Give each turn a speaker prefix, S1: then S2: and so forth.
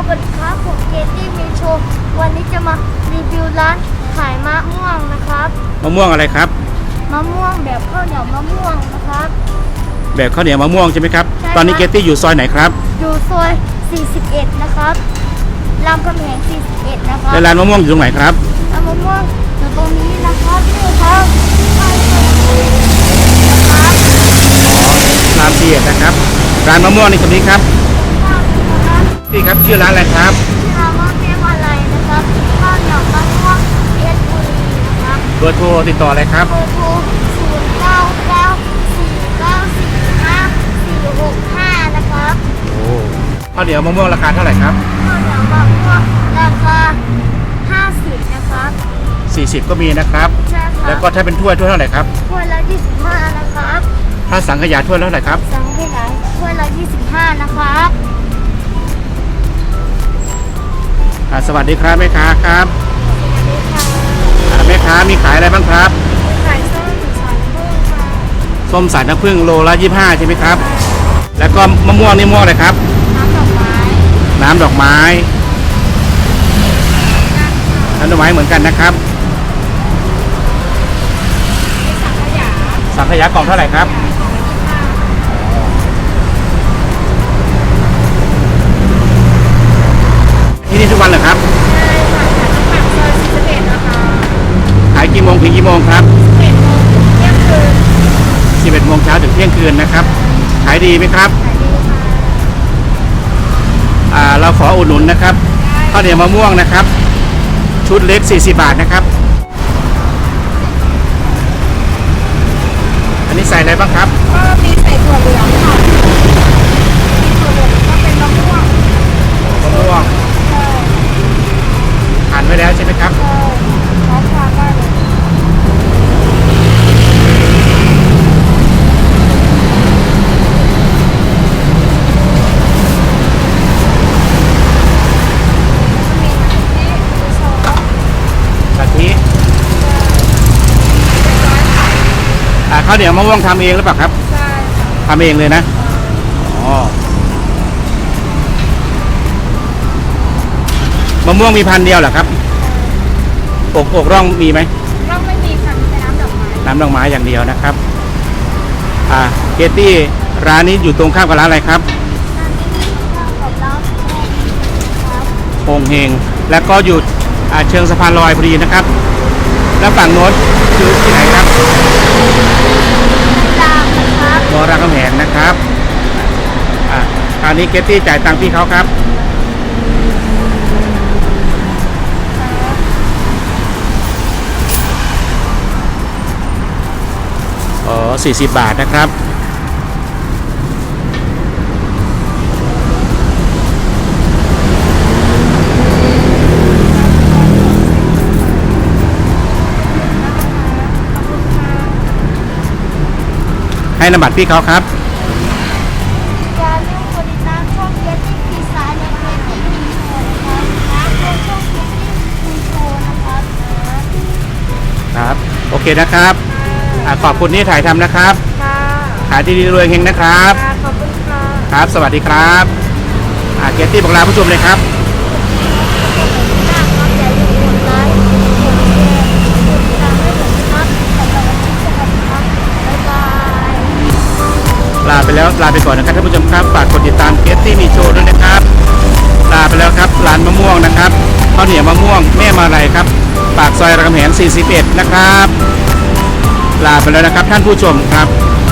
S1: วัสดีครับผมเกตตี้มีโชว์วันนี้จะมารีวิวร้านขายมะม่วงนะครับ
S2: มะม่วงอะไรครับ
S1: มะม่วงแบบข้าวเหนียวมะม่วงนะครับ
S2: แบบข้าวเหนียวมะม่วงใช่ไหมครับ
S1: ใช่ครับ
S2: ตอนนี้เกตตี้อยู่ซอยไหนครับ
S1: อยู่ซอย 41 นะครับรามคำแหง 41 นะครับ
S2: และร้านมะม่วงอยู่ตรงไหนครับ
S1: ร้านมะม่วงอยู่ตรงนี้นะครับนี่ครับไปเลยนะครับ
S2: ราม4นะครับร้านมะม่วงในตรงนี้ครับ
S1: นะครับ
S2: นี่ครับชื่อร้านอะไรครับ
S1: ร้านมะม่วงเรียกว่าอะไรนะครับข้าวเหนียวมะม่วงเพชรบุรีนะครับ
S2: เบอร์โทรติดต่ออะไรครับ
S1: เบอร์โทร0994946465 นะครับ
S2: โอ้ข้าวเหนียวมะม่วงราคาเท่าไหร่ครับ
S1: ข้าวเหนียวมะม่วงราคา50 นะครับ
S2: 40ก็มีนะครับ
S1: ใช่ครั
S2: แล้ว
S1: บ
S2: ก็ถ้าเป็นถ้วยเท่าไหร่ครับ
S1: ถ้วยละ25 นะครับ
S2: ถ้าสังขยาถ้วยเท่าไหร่ครับ
S1: สังขยาถ้วยละ25 นะครับ
S2: สวัสดีครับแม่ค้าครับ
S1: นี่ค่ะ
S2: แม่ค้ามีขายอะไรบ้างครับ
S1: ไก่ส้มสายกุ้งค่ะ
S2: ส้มสายน้ำผึ้งโลละ25ใช่ไหมครับ แล้วก็มะม่วงนี่ม่วงอะไรครับ
S1: น้ำดอกไม้
S2: น้ำดอกไม้น้ำดอกไม้เหมือนกันนะครับ
S1: สังขยา
S2: สังขยากล่องเท่าไหร่ครับ ที่นี่ทุกวันเหรอครับ
S1: ใช่ค่ะจากปากซอย41 นะคะ
S2: ขายกี่โมงถึงกี่โมงครับ
S1: 11 โมงถึงเที่ยงคืน
S2: 11 โมงเช้าถึงเที่ยงคืนนะครับ ขายดีไหมครับ
S1: ขายดีค่ะ
S2: เราขออุดหนุนนะครับข้าวเหนียวมะม่วงนะครับ ชุดเล็ก40 บาทนะครับ อันนี้ใส่อะไรบ้างครับ
S1: ก็มีใส่ถั่วเหลืองค่ะมีถั่วเหลืองก็เป็นมะม่วง
S2: มะม่วง
S1: ใช่
S2: หั่นไว้แล้วใช่ไหมครับ
S1: ใช่พร้อมทานได้เลยมีโชว์
S2: กะทิข้าวเหนียวมะม่วงทำเองหรือเปล่าครับ
S1: ใช่ค่ะ
S2: ทำเองเลยนะ อ๋อ มะม่วงมีพันธุ์เดียวเหรอครับอกร่องมีไหม
S1: เราไม่มีค่ะมีแต่น้ำดอกไม้
S2: น้ำดอกไม้อย่างเดียวนะครับ เกตตี้ร้านนี้อยู่ตรงข้ามกับร้านอะไรครับ
S1: ร้านนี้ข้าวกับร้านครับ
S2: โป่งเฮงแล้วก็อยู่เชิงสะพานลอยพอดีนะครับ แล้วฝั่งโน้นคือที่ไหนครับ
S1: ดามนะครับ
S2: มอรามคำแหงนะครับคราวนี้เกตตี้จ่ายตังค์พี่เขาครับ อ๋อ40 บาทนะครับ ให้นามบัตรพี่เขาครับ
S1: อย่าลืมกดติดตามช่องเกตตี้ปีศาจและเกตตี้มีโชว์นะครับและช่องเกตตี้มีโชว์นะครับ
S2: ครับ โอเคนะครับ ขอบคุณที่ถ่ายทำนะครับ
S1: ค่ะ
S2: ขายดีๆรวยเฮงนะครับ
S1: ขอบคุณค่ะ
S2: ครับ สวัสดีครับเกตตี้บอกลาผู้ชมเลยครับ
S1: อย่าลืมกดไลค์กดแชร์กดติดตามให้ผมนะครับสำหรับวันนี้สวัสดีครับบ๊ายบาย
S2: ลาไปแล้วลาไปก่อนนะครับท่านผู้ชมครับฝากกดติดตามเกตตี้มีโชว์ด้วยนะครับ ลาไปแล้วครับร้านมะม่วงนะครับข้าวเหนียวมะม่วงแม่มาลัยครับปากซอยรามคำแหง41นะครับ ลาไปแล้วนะครับท่านผู้ชมครับ